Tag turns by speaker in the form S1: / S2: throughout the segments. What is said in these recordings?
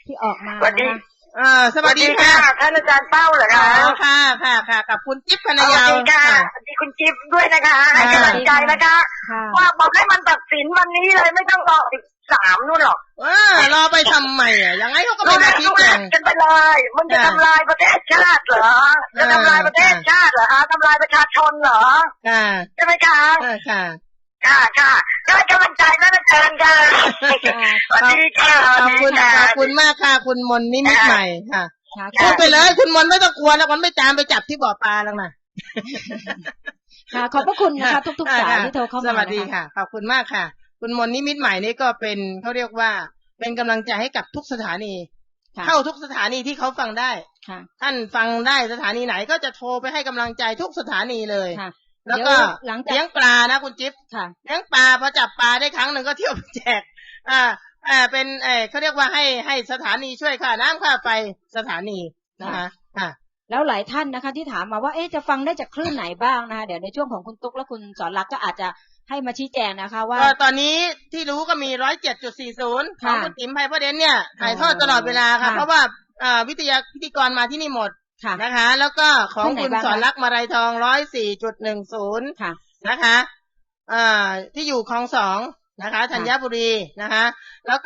S1: ที่ออกมา
S2: สวัสดี
S1: นะคะ
S3: สวัสดีค่ะ
S2: ท่านอาจารย์เป้าเหรอคะ
S3: ค่ะกับคุณจิ๊บพนยาว
S2: สวัสดีค่ะสวัสดีคุณจิ๊บด้วยนะคะให้กำลังใจนะคะว่าบอกให้มันตัดสินวันนี้เลยไม่ต้องรอ13นู่นหรอก
S3: รอไปทำไมยังไงเขาก็ไม่มาชี้แจง
S2: กันไปเลยมันจะทำลายประเทศชาติเหรอจะทำลายประเทศชาติเหรอคะทำลายประชาชนเหรอใช่ไหมคะค่ะก็ให้กำลังใจนะอาจารย์ค่ะสวัสดีค่ะ
S3: ขอบคุณมากค่ะคุณมนนิมิตใหม่ค่ะพูดไปเลยคุณมนไม่ต้องกลัวแล้วมันไม่ตามไปจับที่บ่อปลาแล้วนะ
S1: ค่ะขอบพระคุณนะคะทุกๆสายที่โทรเข้ามา
S3: สวัสดีค่ะขอบคุณมากค่ะคุณมนนิมิตใหม่นี่ก็เป็นเขาเรียกว่าเป็นกำลังใจให้กับทุกสถานีเข้าทุกสถานีที่เขาฟังได้ท่านฟังได้สถานีไหนก็จะโทรไปให้กำลังใจทุกสถานีเลยแล้วก็เลี้ยงปลานะคุณจิ๊บเลี้ยงปลาพอจับปลาได้ครั้งหนึ่งก็เที่ยวไปแจกเป็นเขาเรียกว่าให้สถานีช่วยค่าน้ำค่าไฟสถานีนะคะ
S1: แล้วหลายท่านนะคะที่ถามมาว่าจะฟังได้จากคลื่นไหนบ้างนะคะเดี๋ยวในช่วงของคุณตุ๊กและคุณสอนรักก็อาจจะให้มาชี้แจงนะคะว่า
S3: ตอนนี้ที่รู้ก็มี 107.40 ของคุณติ๋มไพพระเดชเนี่ยถ่ายทอดตลอดเวลาค่ะเพราะว่าพิธีกรมาที่นี่หมดนะคะแล้วก็ของคุณสอนรักมาลัยทอง 104.10 นะคะที่อยู่คลอง2นะคะธัญบุรีนะคะแล้วก็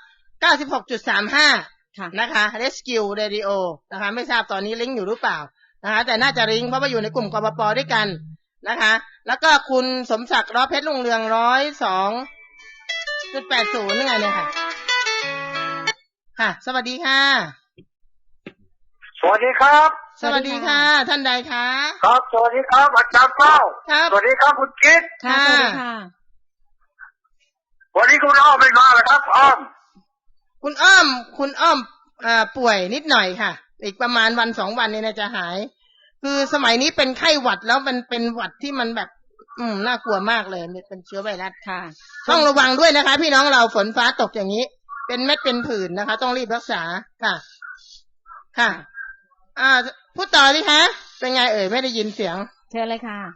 S3: 96.35 นะคะ Rescue Radio นะคะไม่ทราบตอนนี้ลิงก์อยู่หรือเปล่านะคะแต่น่าจะลิงก์เพราะว่าอยู่ในกลุ่มกปปด้วยกันนะคะแล้วก็คุณสมศักดิ์ล้อเพชรรุ่งเรือง 102.80 นี่ไงเนี่ยค่ะสวัสดีค่ะ
S2: สวัสดีครับ
S3: สวัสดีค่ะท่านใดคะ
S2: ครับสวัสดีครับอาจารย์เป้าสวัสดีครับคุณกิ๊ก
S1: ค่ะสวัสดีค่ะ
S2: วันนี้คุณอ้อมไม่มาเหรอครับอ้อม
S3: คุณอ้อมป่วยนิดหน่อยค่ะอีกประมาณวัน2 วันนี้น่าจะหายคือสมัยนี้เป็นไข้หวัดแล้วมันเป็นหวัดที่มันแบบน่ากลัวมากเลยเป็นเชื้อไวรัสค่ะต้องระวังด้วยนะคะพี่น้องเราฝนฟ้าตกอย่างนี้เป็นเม็ดเป็นผื่นนะคะต้องรีบรักษาค่ะพูดต่อดิคะเป็นไงไม่ได้ยินเสียง
S1: เชิญเลยค่ะ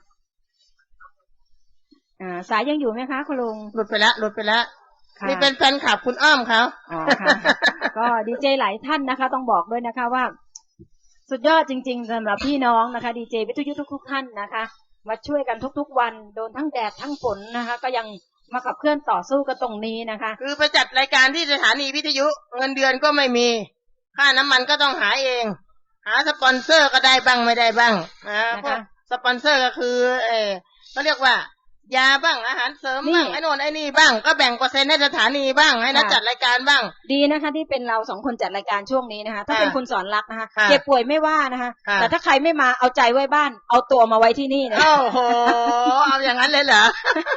S1: สายยังอยู่ไหมคะคุณลุง
S3: หลุดไปแล้วนี่เป็นแฟนคลับคุณอ้อมเขา
S1: ค่ะก็ดีเจหลายท่านนะคะต้องบอกด้วยนะคะว่าสุดยอดจริงๆสำหรับพี่น้องนะคะดีเจวิทยุทุกท่านนะคะมาช่วยกันทุกๆวันโดนทั้งแดดทั้งฝนนะคะก็ยังมาขับเคลื่อนต่อสู้กันตรงนี้นะคะ
S3: คือไปจัดรายการที่สถานีวิทยุเงินเดือนก็ไม่มีค่าน้ำมันก็ต้องหาเองหาสปอนเซอร์ก็ได้บ้างไม่ได้บ้างเพราะสปอนเซอร์ก็คือเขาเรียกว่ายาบ้างอาหารเสริมบ้างไอ้โน่นไอ้นี่บ้างก็แบ่งเปอร์เซ็นต์ให้สถานีบ้างให้นักจัดรายการบ้าง
S1: ดีนะคะที่เป็นเรา2 คนจัดรายการช่วงนี้นะคะถ้าเป็นคุณสอนรักนะคะเจ็บป่วยไม่ว่านะคะแต่ถ้าใครไม่มาเอาใจไว้บ้านเอาตัวมาไว้ที่นี่นะ
S3: โอ้โหเอาอย่างนั้นเลยเหรอ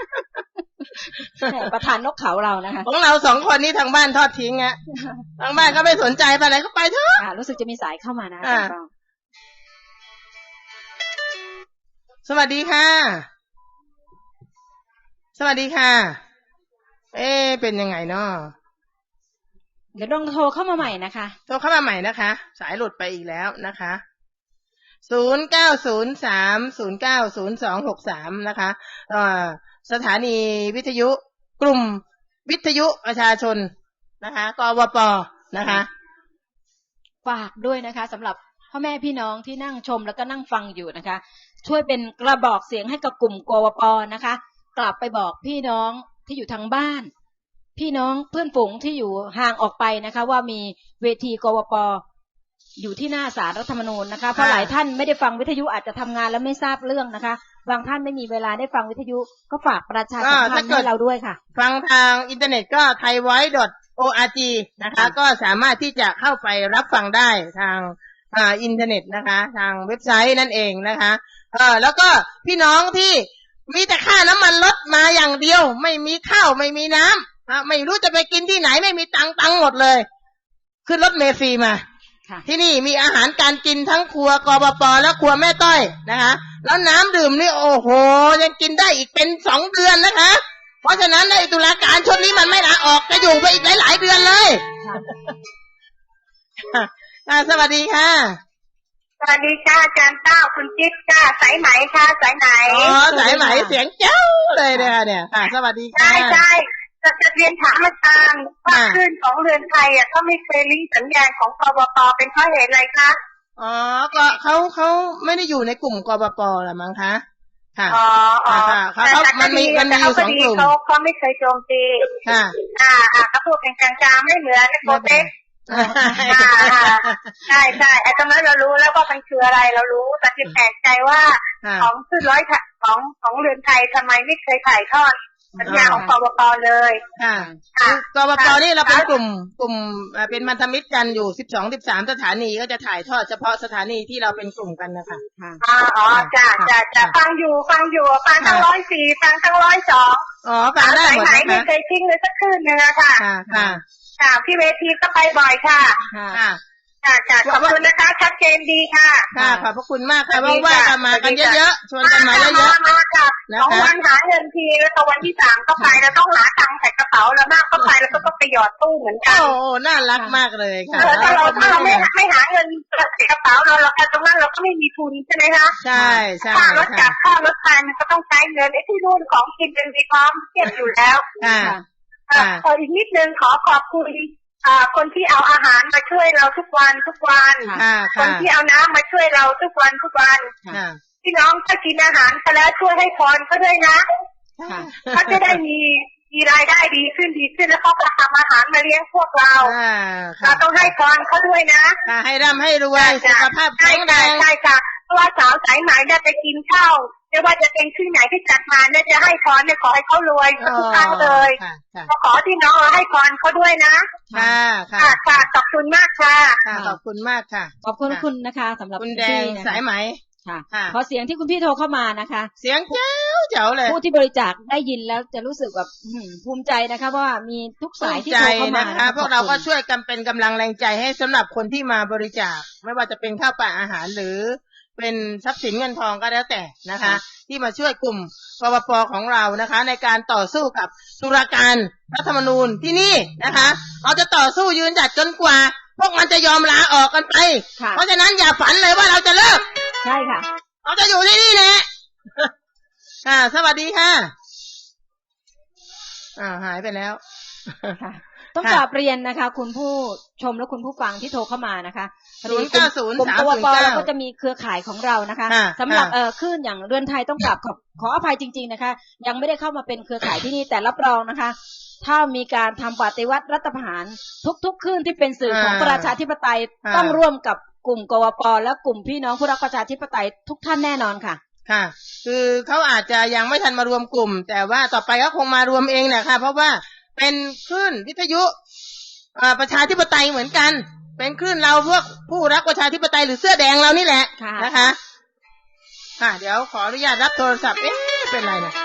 S1: ประธานนกเขาเรานะคะ
S3: ของเรา2 คนนี้ทางบ้านทอดทิ้งทางบ้านก็ไม่สนใจไปไหนก็ไปเถอะ
S1: รู้สึกจะมีสายเข้ามานะ
S3: สวัสดีค่ะสวัสดีค่ะเป็นยังไงเนาะ
S1: เดี๋ยวลองโทรเข้ามาใหม่นะคะ
S3: โทรเข้ามาใหม่นะคะสายหลุดไปอีกแล้วนะคะ0903090263นะคะสถานีวิทยุกลุ่มวิทยุประชาชนนะคะกวปนะคะ
S1: ฝากด้วยนะคะสำหรับพ่อแม่พี่น้องที่นั่งชมแล้วก็นั่งฟังอยู่นะคะช่วยเป็นกระบอกเสียงให้กับกลุ่มกวปนะคะกลับไปบอกพี่น้องที่อยู่ทางบ้านพี่น้องเพื่อนฝูงที่อยู่ห่างออกไปนะคะว่ามีเวทีกวปอยู่ที่หน้าศาลรัฐธรรมนูญนะคะเพราะหลายท่านไม่ได้ฟังวิทยุอาจจะทำงานแล้วไม่ทราบเรื่องนะคะบางท่านไม่มีเวลาได้ฟังวิทยุก็ฝากประชาสัมพันธ์ให้เราด้วยค่ะ
S3: ฟังทางอินเทอร์เน็ตก็ thaivoice.org นะคะก็สามารถที่จะเข้าไปรับฟังได้ทางอินเทอร์เน็ตนะคะทางเว็บไซต์นั่นเองนะคะแล้วก็พี่น้องที่มีแต่ค่าน้ำมันรถมาอย่างเดียวไม่มีข้าวไม่มีน้ำไม่รู้จะไปกินที่ไหนไม่มีตังค์หมดเลยขึ้นรถเมล์ฟรีมาที่นี่มีอาหารการกินทั้งครัวกปปและครัวแม่ต้อยนะคะแล้วน้ำดื่มนี่โอ้โหยังกินได้อีกเป็น2 เดือนนะคะเพราะฉะนั้นในตุลาการชุดนี้มันไม่ลาออกจะอยู่ไปอีกหลายๆเดือนเลยสวัสดีค่ะ
S2: สวัสดีค่ะอาจารย์เต้าคุณจิ๊บค่ะสายไหมค่ะสายไหน
S3: สายไหมเสียงเจ้าเลยเนี่ยค่ะสวัสดีค่ะ
S2: ใช่จะเรียนถามอาจารย์ว่าคลื่นของเรือนไทยก็ไม่เคยลิงก์สัญญาณของกบป.เป็นเพราะเหตุอะไรคะ
S3: อ๋อก็เขาไม่ได้อยู่ในกลุ่มกบป.หรอมั้งคะค่ะเขามันมีอยู่2 กลุ่ม
S2: เขาไม่เคยโจมตี
S3: ค่ะ
S2: เขาพูดเป็นกลางๆไม่เหมือนโปรเทคใช่ไอ้ตรงนั้นเรารู้แล้วว่ามันคืออะไรเรารู้แต่ที่แปลกใจว่าของคลื่นของเรือนไทยทำไมไม่เคยถ่ายทอดสัญญาของกบป.เลย
S3: ค่ะกบป.นี่เราเป็นกลุ่มเป็นพันธมิตรกันอยู่12-13สถานีก็จะถ่ายทอดเฉพาะสถานีที่เราเป็นกลุ่มกันนะคะ
S2: อ๋อจ้ะฟังอยู่ฟังทั้ง104ฟังทั้ง102
S3: อ๋อฟังได้หมดนะคะ
S2: ไม่เคยทิ้งเลยสักคืนนึงอะค่ะค่ะพี่เวทีก็ไปบ่อยค่ะขอบคุณนะคะชัดเจนดีค่ะ
S3: ขอบพระคุณมากค่ะว่างๆมากันเยอะๆชวนกันมาเยอะ
S2: ๆมาค่ะ2 วันหาเงินทีแล้ววันที่3ก็ไปแล้วต้องหาตังค์ใส่กระเป๋าแล้วมากก็ไปแล้วก็ไปหยอดตู้เหมือนกัน
S3: โอ้น่ารักมากเลยค่ะ
S2: ถ้าเราไม่หาเงินใส่กระเป๋าเราตรงนั้นเราก็ไม่มีทุนใช่ไหมคะ
S3: ใช่
S2: ค่ารถจักรค่ารถไฟมันก็ต้องใช้เงินไอ้ที่นู่นของกินเป็นมีความเก็บอยู่แล้วอีกนิดนึงขอบคุณคนที่เอาอาหารมาช่วยเราทุกวันคนที่เอาน้ำมาช่วยเราทุกวันพี่น้องถ้ากินอาหารไปแล้วช่วยให้พรเขาด้วยนะเขาจะได้มีรายได้ดีขึ้นแล้วเขาก็ทำอาหารมาเลี้ยงพวกเราต้องให้พรเขาด้วยนะ
S3: ให้ร่ำให้รวยสุขภาพแข็งแรง
S2: ใช่ค่ะเพราะว่าสาวสายไหมเนี่ยไปกินข้าวไม่ว่าจะเป็นที่ไหนที่จัดมาเนี่ยจะให้พรเนี่ยขอให้เขารวยทุกครั้งเลยขอที่น้องให้พรเขาด้วยนะค่ะขอบคุณมากค่ะ
S3: ขอบคุณมากค่ะ
S1: ขอบคุณนะคะสำหรับ
S3: คุณแดงสายไหม
S1: ค่ะขอเสียงที่คุณพี่โทรเข้ามานะคะ
S3: เสียงเจ๋วเลย
S1: ผู้ที่บริจาคได้ยินแล้วจะรู้สึกแบบภูมิใจนะคะว่ามีทุกสายที่โทรเข้ามา
S3: นะคะพวกเราก็ช่วยกันเป็นกำลังแรงใจให้สำหรับคนที่มาบริจาคไม่ว่าจะเป็นข้าวปลาอาหารหรือเป็นทรัพย์สินเงินทองก็แล้วแต่นะคะที่มาช่วยกลุ่มกบป.ของเรานะคะในการต่อสู้กับตุลาการรัฐธรรมนูญที่นี่นะคะเราจะต่อสู้ยืนหยัดจนกว่าพวกมันจะยอมลาออกกันไปเพราะฉะนั้นอย่าฝันเลยว่าเราจะเลิก
S1: ใช่ค่ะ
S3: เราจะอยู่ที่นี่แหละสวัสดีค่ะหายไปแล้ว
S1: ต้องกราบเรียนนะคะคุณผู้ชมและคุณผู้ฟังที่โทรเข้ามานะคะ
S3: 090
S1: กลุ่มกบป.เราก็จะมีเครือข่ายของเรานะคะสำหรับคลื่นอย่างเรือนไทยต้องกราบขออภัยจริงๆนะคะยังไม่ได้เข้ามาเป็นเครือข่ายที่นี่แต่รับรองนะคะถ้ามีการทำปฏิวัติรัฐประหารทุกคลื่นที่เป็นสื่อของประชาธิปไตยต้องร่วมกับกลุ่มกบป.และกลุ่มพี่น้องผู้รักประชาธิปไตยทุกท่านแน่นอนค่ะ
S3: ค่ะคือเขาอาจจะยังไม่ทันมารวมกลุ่มแต่ว่าต่อไปก็คงมารวมเองแหละค่ะเพราะว่าเป็นคลื่นวิทยุประชาธิปไตยเหมือนกันเป็นคลื่นเราพวกผู้รักประชาธิปไตยหรือเสื้อแดงเรานี่แหละนะคะเดี๋ยวขออนุญาตรับโทรศัพท์เป็นไรนะ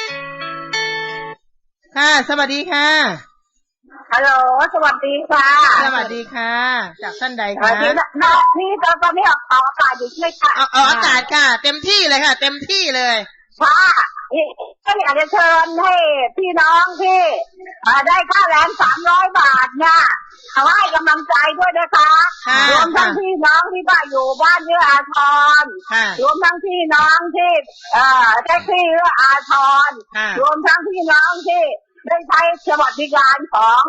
S3: ค่ะสวัสดีค่ะ
S2: ฮัลโหลสวัสดีค่ะ
S3: สวัสดีค่ะจากท่านใดคะ
S2: นี่ตอนนี้ออกอากาศอยู่ใช่ไหมคะ
S3: ออกอากาศค่ะเต็มที่เลยค่ะเต็มที่เลย
S2: ค่ะก็อยากจะเชิญให้พี่น้องที่ได้ค่าแรง300 บาทเนี่ยเขาให้กำลังใจด้วยนะคะรวมทั้งพี่น้องที่อยู่บ้านเอื้ออาทรรวมทั้งพี่น้องที่ได้ที่เอื้ออาทรรวมทั้งพี่น้องที่ได้ใช้สวัสดิการของ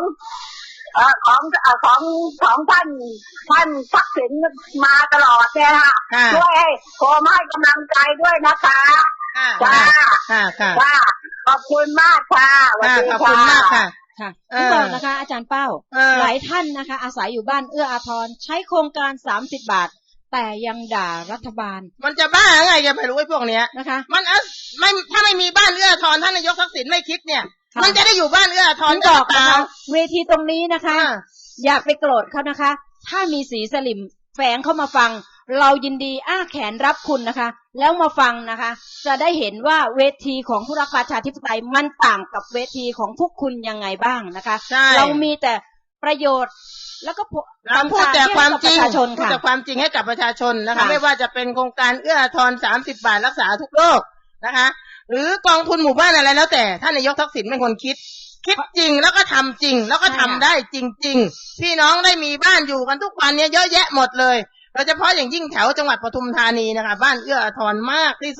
S2: ท่านทักษิณมาตลอดเนี่ยค่ะด้วยโทรมาให้กำลังใจด้วยนะคะจ้าขอบคุณมากค่ะ
S3: ขอบคุณมากค่ะ
S1: ที่บอกนะคะอาจารย์เป้าหลายท่านนะคะอาศัยอยู่บ้านเอื้ออาทรใช้โครงการ30 บาทแต่ยังด่ารัฐบาล
S3: มันจะบ้าไงจะไปรู้ไอ้พวกเนี้ยนะคะมันไม่ถ้าไม่มีบ้านเอื้ออาทรท่านนายกทักษิณไม่คิดเนี่ยมันจะได้อยู่บ้านเอื้ออาทร
S1: ก็ตามเวทีตรงนี้นะคะอย่าไปโกรธเขานะคะถ้ามีสีสลิมแฝงเข้ามาฟังเรายินดีอ้าแขนรับคุณนะคะแล้วมาฟังนะคะจะได้เห็นว่าเวทีของผู้รักประชาธิปไตยมันต่างกับเวทีของพวกคุณยังไงบ้างนะคะเรามีแต่ประโยชน์แล้วก็
S3: พูดแต่ความจริงพูดแต่ความจริงให้กับประชาชนนะคะไม่ว่าจะเป็นโครงการเอื้ออาทร30 บาทรักษาทุกโรคนะคะหรือกองทุนหมู่บ้านอะไรแล้วแต่ท่านนายกทักษิณเป็นคนคิดจริงแล้วก็ทำจริงแล้วก็ทำได้จริงๆพี่น้องได้มีบ้านอยู่กันทุกวันนี้เยอะแยะหมดเลยโดยเฉพาะอย่างยิ่งแถวจังหวัดปทุมธานีนะคะบ้านเอื้ออาทรมากที่สุด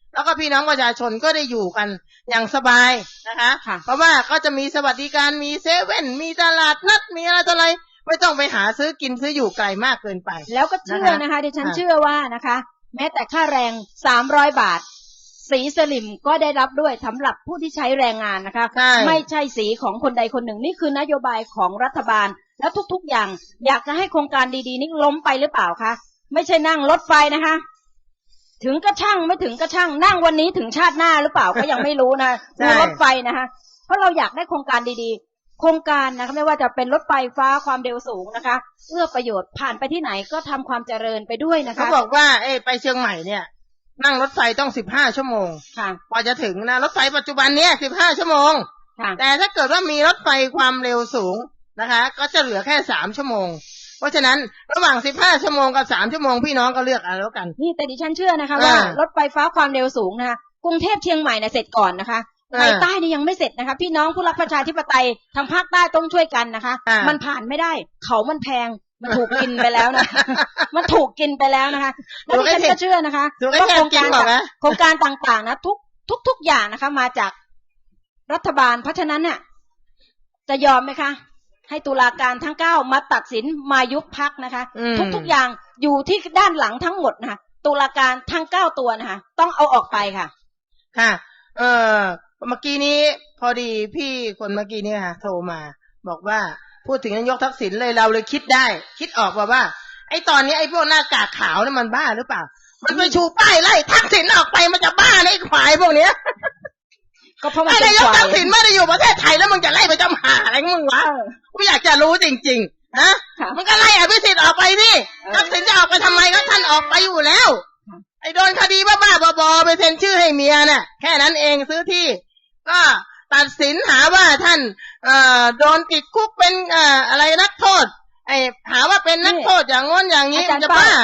S3: แล้วก็พี่น้องประชาชนก็ได้อยู่กันอย่างสบายนะคะ
S1: ค่ะ
S3: เพราะว่าก็จะมีสวัสดิการมีเซเว่นมีตลาดนัดมีอะไรต่ออะไรไม่ต้องไปหาซื้อกินซื้ออยู่ไกลมากเกินไป
S1: แล้วก็เชื่อนะคะดิฉันเชื่อว่านะคะ แม้แต่ค่าแรง300 บาทสีสลิมก็ได้รับด้วยสำหรับผู้ที่ใช้แรงงานนะคะ
S3: ใช่
S1: ไม่ใช่สีของคนใดคนหนึ่งนี่คือนโยบายของรัฐบาลแล้วทุกๆอย่างอยากจะให้โครงการดีๆนี้ล้มไปหรือเปล่าคะไม่ใช่นั่งรถไฟนะคะ ถึงก็ช่างไม่ถึงก็ช่างนั่งวันนี้ถึงชาติหน้าหรือเปล่าก็ยังไม่รู้นะ
S3: ใช่
S1: รถไฟนะคะเพราะเราอยากได้โครงการดีๆโครงการนะคะไม่ว่าจะเป็นรถไฟฟ้าความเร็วสูงนะคะเอื้อประโยชน์ผ่านไปที่ไหนก็ทำความเจริญไปด้วยนะคะ
S3: เขาบอกว่าไปเชียงใหม่เนี่ยนั่งรถไฟต้อง15 ชั่วโมง
S1: ค่ะ
S3: กว่าจะถึงนะรถไฟปัจจุบันเนี่ย15 ชั่วโมง
S1: ค่ะ
S3: แต่ถ้าเกิดว่ามีรถไฟความเร็วสูงนะคะ ก็จะเหลือแค่3 ชั่วโมงเพราะฉะนั้นระหว่าง15 ชั่วโมงกับ3 ชั่วโมงพี่น้องก็เลือกเอาแล้วกัน
S1: นี่แต่ดิฉันเชื่อนะคะว่ารถไฟฟ้าความเร็วสูงนะคะกรุงเทพเชียงใหม่เนี่ยเสร็จก่อนนะคะในใต้นี่ยังไม่เสร็จนะคะพี่น้องผู้รักประชาธิปไตยทางภาคใต้ต้องช่วยกันนะคะมันผ่านไม่ได้เขามันแพงมันถูกกินไปแล้วนะ มันถูกกินไปแล้วนะคะแล้วดิฉันก็เชื่อนะคะว่าโครงการต่างๆนะทุกอย่างนะคะ มาจากรัฐบาลเพราะฉะนั้นเนี่ยจะยอมไหมคะให้ตุลาการทั้ง9มาตัดสินมายุบพรรคนะคะทุกอย่างอยู่ที่ด้านหลังทั้งหมดนะคะตุลาการทั้ง9ตัวนะคะต้องเอาออกไปค่ะ
S3: ค่ะเมื่อกี้นี้พอดีพี่คนเมื่อกี้นี้ค่ะโทรมาบอกว่าพูดถึงนายกทักษิณเลยเราเลยคิดออกว่าไอ้ตอนนี้ไอ้พวกหน้ากากขาวนี่มันบ้าหรือเปล่ามันไปชูป้ายไล่ทักษิณออกไปมันจะบ้าในไอ้ควายพวกเนี้ย
S1: ก็เพราะมัน
S3: นายกทักษิณไม่ได้อยู่ประเทศไทยแล้วมึงจะไล่ไปจำหาอะไรมึงวะกูอยากจะรู้จริงๆนะมึงก็ไล่อภิสิทธิ์ออกไปสิทักษิณจะออกไปทำไมก็ท่านออกไปอยู่แล้วไอ้โดนคดีบ้าๆบอๆไปเซ็นชื่อให้เมียน่ะแค่นั้นเองซื้อที่ก็ตัดสินหาว่าท่านโดนติดคุกเป็นอะไรนักโทษหาว่าเป็นนักโทษอย่างง้นอย่างนี้มันจะบ้า